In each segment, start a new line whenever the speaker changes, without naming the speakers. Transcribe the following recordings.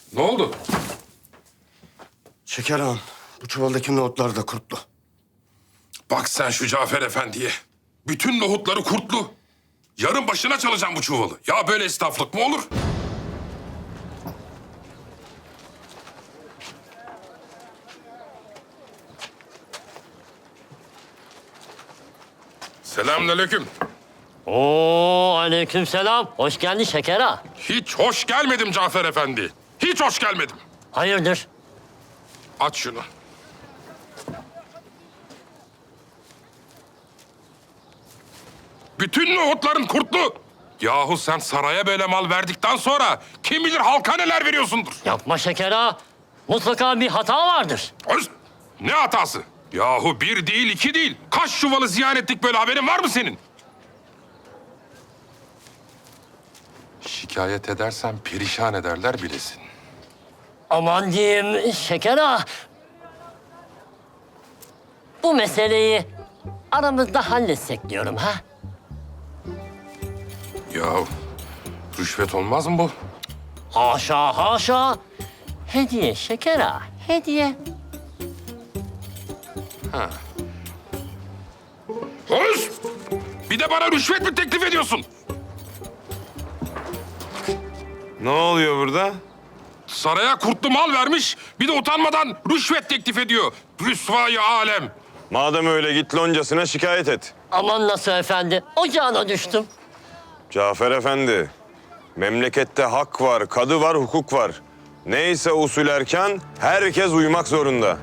Ne oldu?
Şeker ağam, bu çuvaldaki nohutlar da kurtlu.
Bak sen şu Cafer Efendi'ye. Bütün nohutları kurtlu. Yarın başına çalacağım bu çuvalı. Ya böyle esnaflık mı olur? Selamünaleyküm.
Oo, aleykümselam. Hoş geldin Şeker ağa.
Hiç hoş gelmedim Cafer Efendi. Hiç hoş gelmedim.
Hayırdır?
Aç şunu. Bütün nohutların kurtlu. Yahu sen saraya böyle mal verdikten sonra kim bilir halka neler veriyorsundur.
Yapma Şeker ağa. Mutlaka bir hata vardır.
Öz, ne hatası? Yahu bir değil, iki değil. Kaç çuvalı ziyan ettik böyle, haberin var mı senin? Şikayet edersen perişan ederler bilesin.
Aman diyeyim Şeker ağa. Bu meseleyi aramızda halletsek diyorum ha.
Yahu rüşvet olmaz mı bu?
Haşa haşa. Hediye Şeker ağa, hediye.
Öz! Bir de bana rüşvet mi teklif ediyorsun?
Ne oluyor burada?
Saraya kurtlu mal vermiş, bir de utanmadan rüşvet teklif ediyor. Rüsvayı alem.
Madem öyle git loncasına şikayet et.
Aman nasıl efendi, ocağına düştüm.
Cafer Efendi, memlekette hak var, kadı var, hukuk var. Neyse usul erken, herkes uymak zorunda.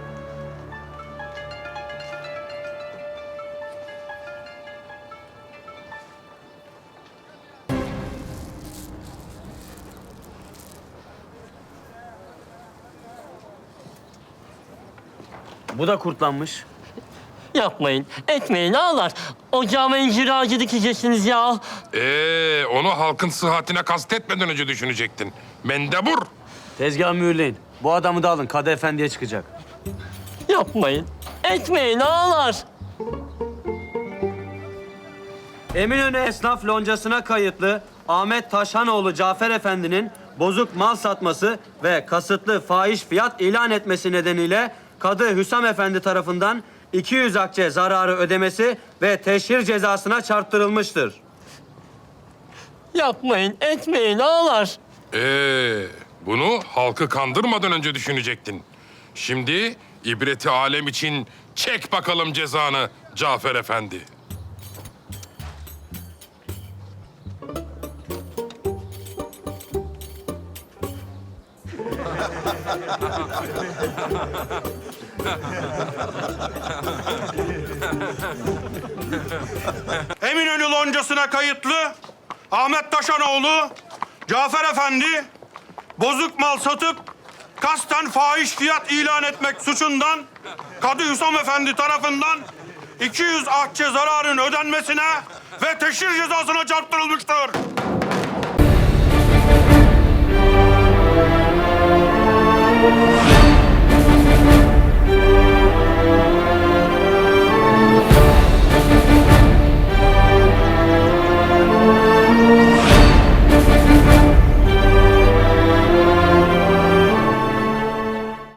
Bu da kurtlanmış.
Yapmayın, etmeyin ağalar. Ocağıma incir ağacı dikeceksiniz ya.
Onu halkın sıhhatine kastetmeden önce düşünecektin. Mendebur.
Tezgah mühürleyin. Bu adamı da alın. Kadı Efendi'ye çıkacak.
Yapmayın, etmeyin ağalar.
Eminönü Esnaf Loncası'na kayıtlı Ahmet Taşhanoğlu Cafer Efendi'nin bozuk mal satması ve kasıtlı fahiş fiyat ilan etmesi nedeniyle Kadı Hüsam Efendi tarafından 200 akçe zararı ödemesi ve teşhir cezasına çarptırılmıştır.
Yapmayın, etmeyin ağalar.
Bunu halkı kandırmadan önce düşünecektin. Şimdi ibreti alem için çek bakalım cezanı Cafer Efendi.
Eminönü loncasına kayıtlı Ahmet Taşanoğlu Cafer Efendi bozuk mal satıp kasten fahiş fiyat ilan etmek suçundan Kadı Hüsam Efendi tarafından 200 akçe zararın ödenmesine ve teşhir cezasına çarptırılmıştır.